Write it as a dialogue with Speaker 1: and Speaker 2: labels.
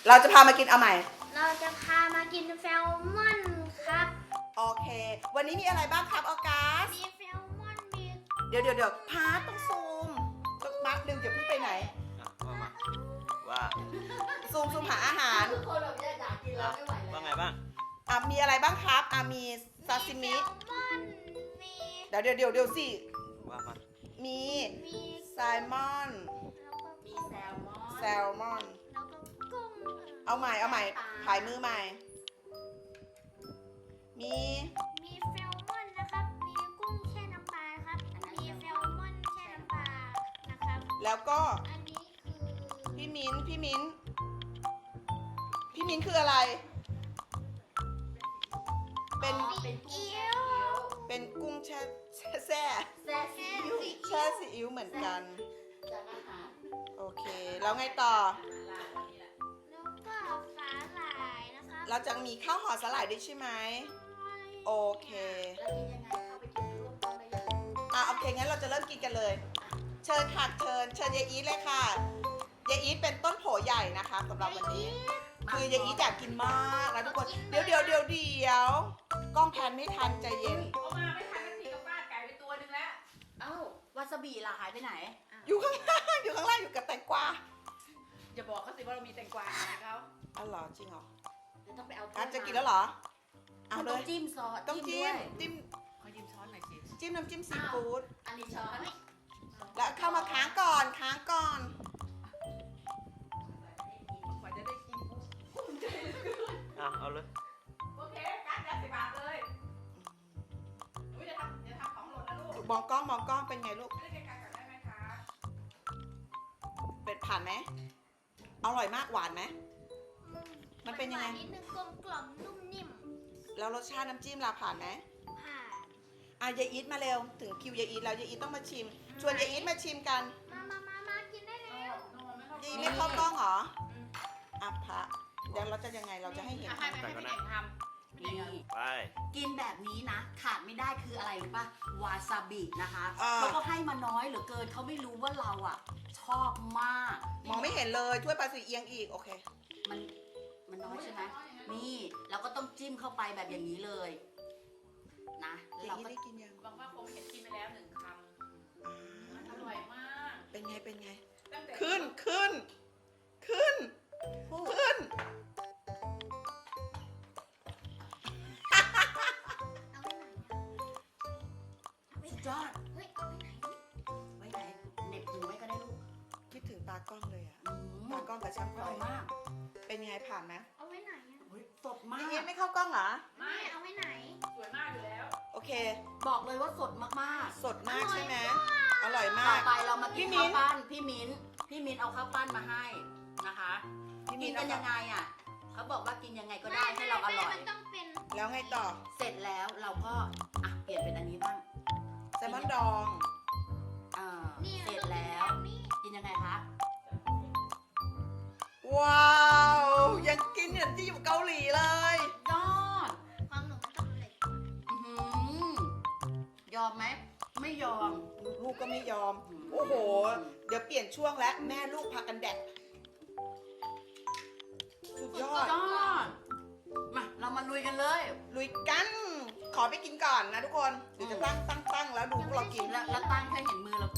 Speaker 1: เราจะพามากินเอาใหม่
Speaker 2: เราจะพามากินแซลมอนครับ
Speaker 1: โอเค วันนี้มีอะไรบ้างครับออกัส
Speaker 2: มีแซลมอน มี
Speaker 1: เดี๋ยวพาร์ทต้องซูมสักพักหนึ่งอย่าเพิ่งไปไหน
Speaker 3: ว่า
Speaker 1: ซูมหาอาหาร
Speaker 4: ทุกคนแบบอยากกินแล้วไม่ไหวแล้ว
Speaker 3: ว่าไงบ้าง
Speaker 1: มีอะไรบ้างครับมีซาซิมิ
Speaker 2: แซลมอน มี
Speaker 1: เดี๋ยวสิ
Speaker 3: ว่ามา
Speaker 1: มี
Speaker 2: มี
Speaker 1: ไซมอน
Speaker 2: แล้วก็
Speaker 4: มีแซลมอน
Speaker 1: แซลมอน
Speaker 2: แล้วก็กุ้ง
Speaker 1: เอาใหม่ผายมือใหม่ มี
Speaker 2: มีแซลมอนนะครับ มีกุ้งแช่น้ำปลาครับ มีแซลมอนแช่น้ำปลานะครับ
Speaker 1: แล้วก็
Speaker 2: อันนี้คือ
Speaker 1: พี่มิ้นคืออะไร เป็น
Speaker 4: เป็นกุ้ง
Speaker 2: เอี๊ยว
Speaker 1: เป็นกุ้งแช่
Speaker 4: แซ่ซีอิ๊ว
Speaker 1: แช่ซีอิ๊วเหมือนกัน
Speaker 4: จากอาหาร
Speaker 1: โอเค แล้วไงต่อ
Speaker 2: แล้วก็สาหร่ายนะครับ
Speaker 1: เราจะมีข้าวห่อสลายด้วยใช่ไหม โอเค
Speaker 4: แล้วกินยังไงเข้าไปกินร่วมกันได้ยัง
Speaker 1: โอเค งั้นเราจะเริ่มกินกันเลย เชิญค่ะเชิญยายอีทเลยค่ะยายอีทเป็นต้นโผใหญ่นะคะสำหรับวันนี้ คือยายอีทอยากกินมากนะทุกคน เดี๋ยวกล้องแพนไม่ทันใจเย็น
Speaker 5: เอามาไม่ทันนาทีก็ฟาดไก่ไปตัวหนึงแล้ว
Speaker 4: เอ้าวาซาบิล่ะหายไปไหน
Speaker 1: อยู่ข้างล่างอยู่กับแตงกวา
Speaker 5: อย่าบอกเขาสิว่าเรามีแตงกวาให้เขา
Speaker 1: อ๋อเหรอจริงเหรอ
Speaker 4: เดี๋ยวต้องไปเอา
Speaker 1: จะกินแล้วเหรอ เอาเล
Speaker 4: ต้อง
Speaker 1: ย
Speaker 4: จิ้มซอส
Speaker 1: ต้อง
Speaker 4: ด้
Speaker 1: จิ้
Speaker 4: ว
Speaker 1: ม
Speaker 4: ย
Speaker 1: จิ้ม
Speaker 5: ขอยืมช้อนหน่อยสิ
Speaker 1: จิ้มน้ำจิ้มซีฟู้ด
Speaker 4: อันนี้ช้อน
Speaker 1: แล้วเข้ามาค้างก่อน
Speaker 5: กว่าจะได้กิน
Speaker 3: เอาเลย
Speaker 5: โอเคการจะ10 บาทเลยอุ้ยอย่าทำของหล่นนะลูก
Speaker 1: มองกล้องเป็นไงลูก
Speaker 5: ไม่ได้ไกลๆก่อนได้ไหมคะ
Speaker 1: เป็ดผ่านไหมอร่อยมากหวานไหม มันเป็นยังไง
Speaker 2: หวานิดนึงกลมกล่อมนุ่มนิ่ม
Speaker 1: แล้วรสชาติน้ำจิ้มล่ะผ่านไหม
Speaker 2: ผ่าน
Speaker 1: ยายอีทมาเร็ว ถึงคิวยายอีทแล้วยายอีทต้องมาชิม ชวนยายอีทมาชิมกัน
Speaker 2: มากินได้แล้ว
Speaker 5: โน่ไม่เข้าย
Speaker 1: ายอีทไม่เข้ากล้องเหรอพระเดี๋ยวเราจะยังไงเราจะให้เห็น
Speaker 5: ให้พี่เก่งทำพี่
Speaker 4: นี่
Speaker 5: เก่ง
Speaker 3: ไป
Speaker 4: กินแบบนี้นะ ขาดไม่ได้คืออะไรรู้ป่ะ วาซาบินะคะ
Speaker 1: อ่า
Speaker 4: เขาก็ให้มาน้อยเหลือเกินเขาไม่รู้ว่าเราอ่ะ ชอบมาก
Speaker 1: มองไม่เห็นเลยถ้วยปลาสีเอียงอีกโอเค
Speaker 4: มันน้อยใช่ไหมนี่เราก็ต้องจิ้มเข้าไปแบบอย่างนี้เลยนะแล้ว
Speaker 1: ยาย
Speaker 4: เรา
Speaker 1: อีท
Speaker 4: ก็
Speaker 1: ได้กินยัง
Speaker 5: บางว่าคงเห็นกินไปแล้ว1 คำมันอร่อยมาก
Speaker 1: เป็นไง
Speaker 5: ตั้งแต่
Speaker 1: ขึ้น
Speaker 2: เอาไว้ไหน
Speaker 4: สุดยอด
Speaker 2: เฮ้ยเอาไว้ไหน
Speaker 4: ไว้ไหนเหน็บหูไว้ก็ได้ลูก
Speaker 1: คิดถึงตากล้องเลยอะ
Speaker 4: อืม
Speaker 1: ตากล้องกับช่าง
Speaker 4: อ
Speaker 1: ไฟ
Speaker 4: ร่อยมาก
Speaker 1: เป็นไงผ่านไหม
Speaker 2: เอาไว้ไหนอะ
Speaker 4: เฮ้ยสดมาย
Speaker 1: ายอีท
Speaker 4: ก
Speaker 1: ไม่เข้ากล้องเหรอ
Speaker 5: ไม่
Speaker 2: เอาไว้ไหน
Speaker 5: สวยมากอยู่แล้ว
Speaker 1: โอเค
Speaker 4: บอกเลยว่าสดมาก
Speaker 1: สดมากใช่ไหมอร่อย
Speaker 4: ๆ
Speaker 1: มา
Speaker 4: ต่อก ไปเรามากิน
Speaker 1: พี่มิ้
Speaker 4: ข้าวน ปั้นพี่มิ้นเอาข้าวปั้นมาให้นะคะ
Speaker 1: พี่
Speaker 4: กิ
Speaker 1: มิ้
Speaker 4: น
Speaker 1: น
Speaker 4: กันยังไงอ่ะเขาบอกว่ากินยังไงก็ได้ให้เราอร่อย
Speaker 2: มันต้องเป็น
Speaker 1: แล้วไงต่อ
Speaker 4: เสร็จแล้วเราก็เปลี่ยนเป็นอันนี้บ้าง
Speaker 1: แซลมอนดอง
Speaker 4: อ่า
Speaker 2: นี่
Speaker 4: เสร็จแล้ว
Speaker 2: นี่
Speaker 4: กินยังไงคะ
Speaker 1: ว้าว ยังกินเหมือนที่อยู่เกาหลีเลย
Speaker 4: ยอด
Speaker 2: ความหนุ่มต้องเหล็ก
Speaker 4: อื้อหือยอมไหมไม่ยอม
Speaker 1: ลูกก็ไม่ยอม โอ้โห เดี๋ยวเปลี่ยนช่วงแล้วแม่ลูกพากันแดกสุดยอด
Speaker 4: ยอดมาเรามาลุยกันเลย
Speaker 1: ลุยกัน ขอไปกินก่อนนะทุกคนเดี๋ยวจะตั้งแล้วดูพวกเรากิน
Speaker 4: แล้วตั้งให้เห็นมือเรา